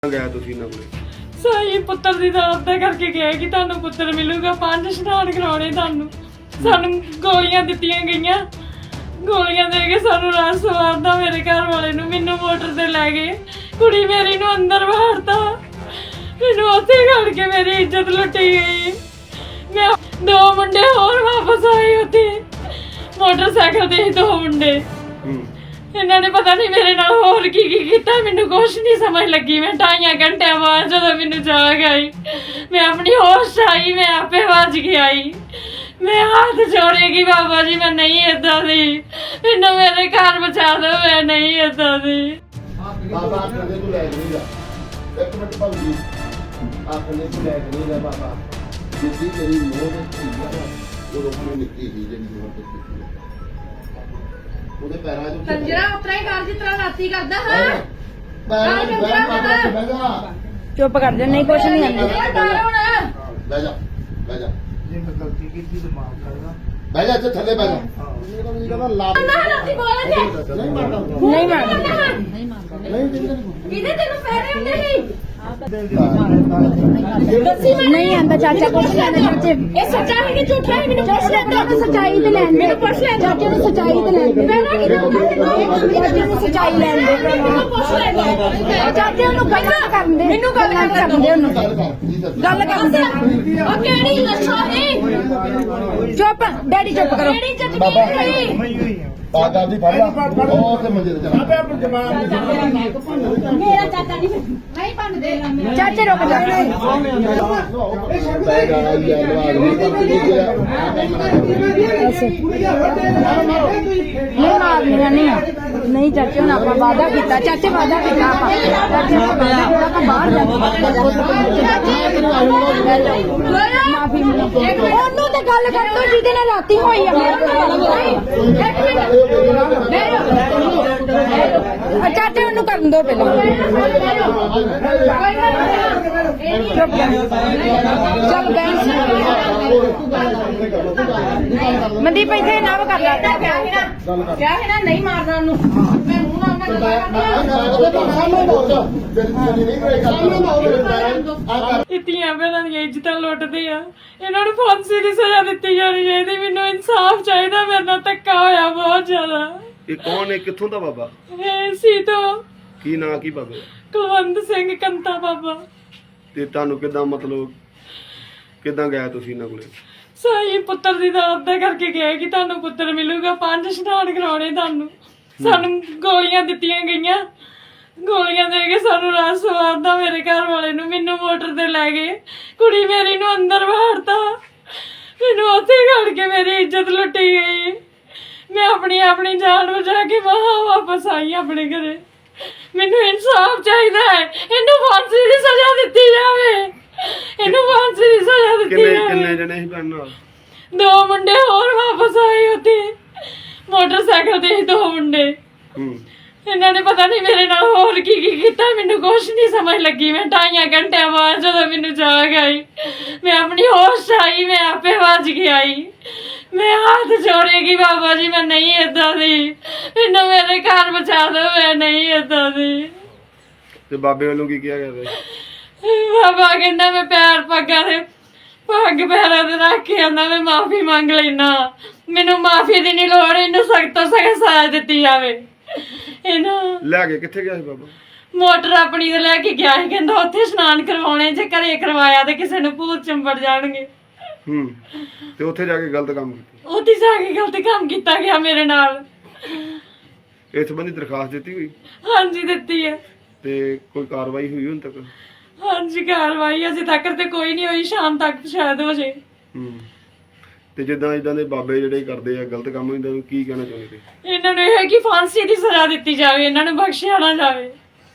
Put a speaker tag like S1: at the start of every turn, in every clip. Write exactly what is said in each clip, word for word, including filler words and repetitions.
S1: गया तुसी ना कोले
S2: सही पुत्र दी दात दा करके गया कि तानू पुत्र मिलूगा पांच स्नान कराने तानू सानू गोलियां दित्तियां गईयां गोलियां दे के सानू रात सवारदा मेरे घर वाले नू मैनू मोटर ते ले गए कुड़ी मेरी नू अंदर बाहरता मैनू उत्थे खड़ के मेरी इज्जत लुटी गई मैं दो मुंडे और वापस आए उत्थे मोटरसाइकिल ते दो मुंडे इन्हों ने पता नहीं मेरे नाल होर की की कीता मैनू कुछ नहीं समझ लगी मैं ढाई घंटे बाद जदों मैनू जाग आई मैं अपनी होश आई मैं आपे भज के आई मैं हाथ जोड़ेगी बाबा जी मैं नहीं इदा दी मैनू मेरे घर बचा दो मैं नहीं इदा दी
S3: बाबा आखने तू लै नहीं जा एक मिनट भाजी आखने तू लै नहीं जा बाबा जिद्दी तेरी मोह ते चीज़ है वो रोकने निकली ही जेडी मोह ते चीज़ ਉਹਦੇ ਪੈਰਾਂ 'ਚ
S4: ਕੰਜਰਾ ਉਤਰਾ ਹੀ ਕਰ ਜਿਸ ਤਰ੍ਹਾਂ ਰਾਤੀ ਕਰਦਾ ਹਾਂ
S3: ਪੈਰਾਂ 'ਚ ਬਹਿ ਮਾਤਾ ਜੀ ਬਹਿ ਜਾ
S5: ਚੁੱਪ ਕਰ ਜਾ ਨਹੀਂ ਕੁਛ ਨਹੀਂ ਆਂਦਾ
S4: ਇਹ ਡਰ ਹੁਣ
S3: ਬਹਿ ਜਾ ਬਹਿ ਜਾ
S6: ਜੇ ਮੈਂ ਗਲਤੀ ਕੀਤੀ ਤਾਂ ਮਾਫ ਕਰਨਾ
S3: ਬਹਿ ਜਾ ਇੱਥੇ ਥੱਲੇ ਬਹਿ ਜਾ ਇਹ ਤਾਂ ਨਹੀਂ ਕਹਿੰਦਾ ਲਾ
S4: ਨਾ ਰਾਤੀ ਬੋਲ ਜੇ
S3: ਨਹੀਂ ਮਾਰਦਾ
S5: ਨਹੀਂ ਮਾਰਦਾ
S4: ਨਹੀਂ
S3: ਨਹੀਂ ਦਿੰਦੇ
S4: ਇਹਦੇ ਤੈਨੂੰ ਪੈਰੇ ਹੁੰਦੇ ਸੀ
S5: ਨਹੀਂ ਆਂਦਾ ਚਾਚਾ ਕੁਛ ਲੈਣਾ ਚਾਚੇ
S4: ਇਹ ਸੱਚਾ ਹੈ ਕਿ ਝੂਠਾ ਹੈ ਮੈਨੂੰ ਪੁੱਛ ਲੈ
S5: ਚਾਚੇ ਸੱਚਾਈ ਤੇ ਲੈਣ ਦੇ
S4: ਪੁੱਛ ਲੈ
S5: ਚਾਚੇ ਨੂੰ ਸੱਚਾਈ ਤੇ ਲੈਣ ਦੇ ਚਾਚੇ ਨੂੰ ਸੱਚਾਈ ਲੈਣ ਦੇ
S4: ਪੁੱਛ ਲੈ
S5: ਚਾਚੇ ਨੂੰ ਗੱਲਾਂ ਕਰਨ ਦੇ ਮੈਨੂੰ ਗੱਲਾਂ ਕਰਨ ਦੇ ਉਹਨੂੰ
S3: ਗੱਲ ਕਰ ਕੀ ਦੱਸ
S5: ਗੱਲ ਕਰਨ ਦੇ
S4: ਉਹ ਕਿਹੜੀ ਲੱਛਾ ਹੈ
S5: ਚੁੱਪ ਡੈਡੀ ਚੁੱਪ ਕਰੋ
S4: ਕਿਹੜੀ ਜੱਜਮੀਨ ਹੋਈ
S6: ਮੈਂ ਹੋਈ ਆ
S3: ਬਾਗਾ ਦੀ ਫੜ ਲਾ ਉਹ ਤੇ ਮੰਜੇ ਤੇ ਚਲਾ
S6: ਆਪੇ ਆਪਣੀ ਜਮਾਨ
S4: ਮੇਰਾ ਚਾਚਾ ਨਹੀਂ ਨਹੀਂ ਭੰਨਦੇ
S5: ਚਾਚੇ ਰੁਕ ਜਾ
S3: ਬਹਿ ਜਾ ਯਾਰ ਲਵਾ
S5: ਨਹੀਂ ਮਾਰਨੀਆਂ ਨਹੀਂ ਨਹੀਂ ਚਾਚੇ ਹੁਣ ਆਪਾਂ ਵਾਅਦਾ ਕੀਤਾ ਚਾਚੇ ਵਾਅਦਾ ਕੀਤਾ ਆਪਾਂ ਚਾਚੇ ਆਪਾਂ ਬਾਹਰ ਜਾ ਮਾਫੀ ਉਹਨੂੰ ਤੇ ਗੱਲ ਕਰ ਤੋ ਜਿਹਦੇ ਨਾਲ ਰਾਤੀ ਹੋਈ ਆ ਚਾਚੇ ਉਹਨੂੰ ਕਰਨ ਦੋ ਪਹਿਲਾਂ ਚੱਲ ਗਏ ਮਨਦੀਪ ਇੱਥੇ ਨਾ ਕਰ ਲਾ
S4: ਕਿਆ ਹੈ ਨਾ ਨਹੀਂ ਮਾਰਨਾ ਉਹਨੂੰ ਮੈਂ ਮੂੰਹ ਨਾਲ ਉਹਨਾਂ ਗੱਲ
S2: ਇਹ ਧੀਆਂ ਭੈਣਾਂ ਦੀਆਂ ਇੱਜ਼ਤਾਂ ਲੁੱਟਦੇ ਆ ਇਹਨਾਂ ਨੂੰ ਫਾਂਸੀ ਦੀ ਸਜ਼ਾ ਦਿੱਤੀ ਜਾਣੀ ਚਾਹੀਦੀ ਮੈਨੂੰ ਇਨਸਾਫ ਚਾਹੀਦਾ ਮੇਰੇ ਨਾਲ ਧੱਕਾ ਹੋਇਆ ਬਹੁਤ ਜ਼ਿਆਦਾ
S1: ये कौन है कित्थों दा बाबा
S2: ਇਹ ਸੀ ਤੋਂ
S1: की ना की बाबे
S2: ਕੁਲਵੰਤ ਸਿੰਘ ਕੰਤਾ ਬਾਬਾ
S1: ते तानू किदां मतलब किदां गया तुसी ना कोले
S2: ਸਹੀ ਪੁੱਤਰ ਦੀ ਦਾਤ ਦਾ ਕਰਕੇ ਗਿਆ ਕਿ ਤੁਹਾਨੂੰ ਪੁੱਤਰ ਮਿਲੂਗਾ ਪੰਜ ਇਸ਼ਨਾਨ ਕਰਾਉਣੇ ਤੁਹਾਨੂੰ ਸਾਨੂੰ ਗੋਲੀਆਂ ਦਿੱਤੀਆਂ ਗਈਆਂ ਗੋਲੀਆਂ ਦੇ ਕੇ ਸਾਨੂੰ ਰਾਤ ਸਵਾਰਦਾ ਮੇਰੇ ਘਰ ਵਾਲੇ ਨੂੰ ਮੈਨੂੰ ਮੋਟਰ ਤੇ ਲੈ ਗਏ ਕੁੜੀ ਮੇਰੀ ਨੂੰ ਅੰਦਰ ਬਾਹਰਤਾ ਮੈਨੂੰ ਉੱਥੇ ਖੜ ਕੇ ਮੇਰੀ ਇੱਜ਼ਤ ਲੁੱਟੀ ਗਈ ਮੈਂ ਆਪਣੀ ਆਪਣੀ ਜਾਨ ਬਚਾ ਕੇ ਬਾਹਰ ਵਾਪਸ ਆਈ ਆਪਣੇ ਘਰੇ ਮੈਨੂੰ ਇਨਸਾਫ ਚਾਹੀਦਾ ਹੈ ਇਹਨੂੰ ਫਾਂਸੀ ਦੀ ਸਜ਼ਾ ਦਿੱਤੀ ਜਾਵੇ ਇਹਨੂੰ ਫਾਂਸੀ ਦੀ ਸਜ਼ਾ ਦਿੱਤੀ
S1: किन्ने
S2: ਜਾਵੇ
S1: किन्ने जने ही भैन नाल
S2: ਦੋ ਮੁੰਡੇ ਹੋਰ ਵਾਪਸ ਆਏ ਉੱਥੇ ਮੋਟਰਸਾਈਕਲ ਤੇ ਹੀ ਦੋ ਮੁੰਡੇ
S1: हम्म
S2: ਇਹਨਾਂ ਨੇ ਪਤਾ ਨਹੀਂ ਮੇਰੇ ਨਾਲ ਹੋਰ ਕੀ ਕੀ ਕੀਤਾ ਮੈਨੂੰ ਕੁਛ ਨਹੀਂ ਸਮਝ ਲੱਗੀ ਮੈਂ ਢਾਈ ਘੰਟੇ ਬਾਅਦ ਜਦੋਂ ਮੈਨੂੰ ਜਾਗ ਆਈ ਮੈਂ ਆਪਣੀ ਹੋਸ਼ ਆਈ ਮੈਂ ਆਪੇ ਭੱਜ ਕੇ ਆਈ ਮੈਂ ਹੱਥ ਜੋੜੇਗੀ ਬਾਬਾ ਜੀ ਮੈਂ ਨਹੀਂ ਏਦਾਂ ਦੀ ਮੈਨੂੰ ਮੇਰੇ ਘਰ ਬਚਾ ਦਿਓ ਮੈਂ ਨਹੀਂ ਏਦਾਂ ਦੀ
S1: ते बाबे वालों की किया गया
S2: ਬਾਬਾ ਕਹਿੰਦਾ ਮੈਂ ਪੈਰ ਪੱਗਾਂ ਦੇ ਪੱਗ ਪੈਰਾਂ ਤੇ ਰੱਖ ਕੇ ਆਂਦਾ ਮੈਂ ਮਾਫੀ ਮੰਗ ਲੈਣਾ ਮੈਨੂੰ ਮਾਫੀ ਦੀ ਨਹੀਂ ਲੋੜ ਇਹਨੂੰ ਸਖਤ ਤੋਂ ਸਖਤ ਸਜ਼ਾ ਦਿੱਤੀ ਜਾਵੇ ਇਹਨੂੰ
S1: लेके कित्थे गया सी बाबा
S2: ਮੋਟਰ ਆਪਣੀ ਤੇ ਲੈ ਕੇ ਗਿਆ ਸੀ ਕਹਿੰਦਾ ਉੱਥੇ ਇਸ਼ਨਾਨ ਕਰਵਾਉਣੇ ਜੇ ਘਰੇ ਕਰਵਾਇਆ ਤੇ ਕਿਸੇ ਨੂੰ ਭੂਤ ਚੰਬੜ ਜਾਣਗੇ
S1: हम्म ते उत्थे जाके गलत काम कीता
S2: ਉੱਥੇ ਜਾ ਕੇ ਗਲਤ ਕੰਮ ਕੀਤਾ ਗਿਆ ਮੇਰੇ ਨਾਲ
S1: इस संबंधी दरखास्त दी हुई
S2: ਹਾਂਜੀ ਦਿੱਤੀ ਹੈ
S1: ते कोई कार्रवाई हुई हुन तक
S2: ਹਾਂਜੀ ਕਾਰਵਾਈ ਅਜੇ ਤੱਕ ਤੇ ਕੋਈ ਨਹੀਂ ਹੋਈ ਸ਼ਾਮ ਤੱਕ ਸ਼ਾਇਦ ਹੋ ਜੇ
S1: ਹੂੰ ਤੇ ਜਿੱਦਾਂ ਇਦਾਂ ਦੇ ਬਾਬੇ ਜਿਹੜੇ ਕਰਦੇ ਆ ਗਲਤ ਕੰਮ ਇਹਨਾਂ ਨੂੰ ਕੀ ਕਹਿਣਾ ਚਾਹੁੰਦੇ
S2: ਇਹਨਾਂ ਨੂੰ ਇਹ ਹੈ ਕਿ ਫਾਂਸੀ ਦੀ ਸਜ਼ਾ ਦਿੱਤੀ ਜਾਵੇ ਇਹਨਾਂ ਨੂੰ ਬਖਸ਼ਿਆ ਨਾ ਜਾਵੇ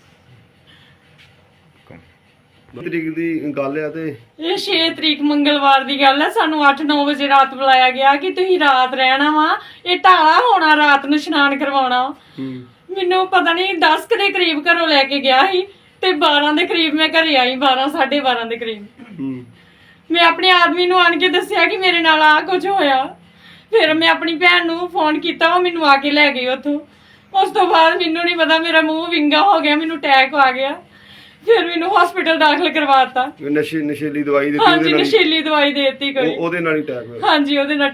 S1: ਤਰੀਕ ਦੀ ਗੱਲ ਆ ਤੇ
S2: ਇਹ ਛੇ ਤਰੀਕ ਮੰਗਲਵਾਰ ਦੀ ਗੱਲ ਹੈ ਸਾਨੂੰ ਅੱਠ ਨੌ ਵਜੇ ਰਾਤ ਬੁਲਾਇਆ ਗਿਆ ਕਿ ਤੁਸੀਂ ਰਾਤ ਰਹਿਣਾ ਵਾ ਇਹ ਢਾਲਾ ਹੋਣਾ ਰਾਤ ਨੂੰ ਇਸ਼ਨਾਨ ਕਰਵਾਉਣਾ
S1: ਹੂੰ
S2: ਮੈਨੂੰ ਪਤਾ ਨਹੀਂ ਦਸ ਕੁ ਦੇ ਕਰੀਬ ਘਰੋਂ ਲੈ ਕੇ ਗਿਆ ਸੀ ਤੇ ਬਾਰਾਂ ਦੇ ਕਰੀਬ ਮੈਂ ਘਰੇ ਆਈ ਬਾਰਾਂ ਸਾਢੇ ਬਾਰਾਂ ਦੇ ਕਰੀਬ
S1: ਹੂੰ
S2: ਮੈਂ ਆਪਣੇ ਆਦਮੀ ਨੂੰ ਆਣ ਕੇ ਦੱਸਿਆ ਕਿ ਮੇਰੇ ਨਾਲ ਆ ਕੁਝ ਹੋਇਆ ਫਿਰ ਮੈਂ ਆਪਣੀ ਭੈਣ ਨੂੰ ਫੋਨ ਕੀਤਾ ਉਹ ਮੈਨੂੰ ਆ ਕੇ ਲੈ ਗਈ ਉੱਥੋਂ ਉਸ ਤੋਂ ਬਾਅਦ ਮੈਨੂੰ ਨਹੀਂ ਪਤਾ ਮੇਰਾ ਮੂੰਹ ਵਿੰਗਾ ਹੋ ਗਿਆ ਮੈਨੂੰ ਅਟੈਕ ਆ ਗਿਆ ਫਿਰ ਮੈਨੂੰ ਹਸਪੀਟਲ ਦਾਖਲ ਕਰਵਾਤਾ।
S1: ਨਸ਼ੇ ਨਸ਼ੀਲੀ ਦਵਾਈ ਦਿੱਤੀ
S2: ਹਾਂਜੀ
S1: ਉਹਦੇ ਨਾਲ ਹੀ-
S2: ਨਸ਼ੀਲੀ ਦਵਾਈ ਦੇ ਦਿੱਤੀ ਕੋਈ।
S1: ਉਹ- ਉਹਦੇ ਨਾਲ ਹੀ ਅਟੈਕ ਹੋਇਆ।
S2: ਹਾਂਜੀ ਉਹਦੇ ਨਾਲ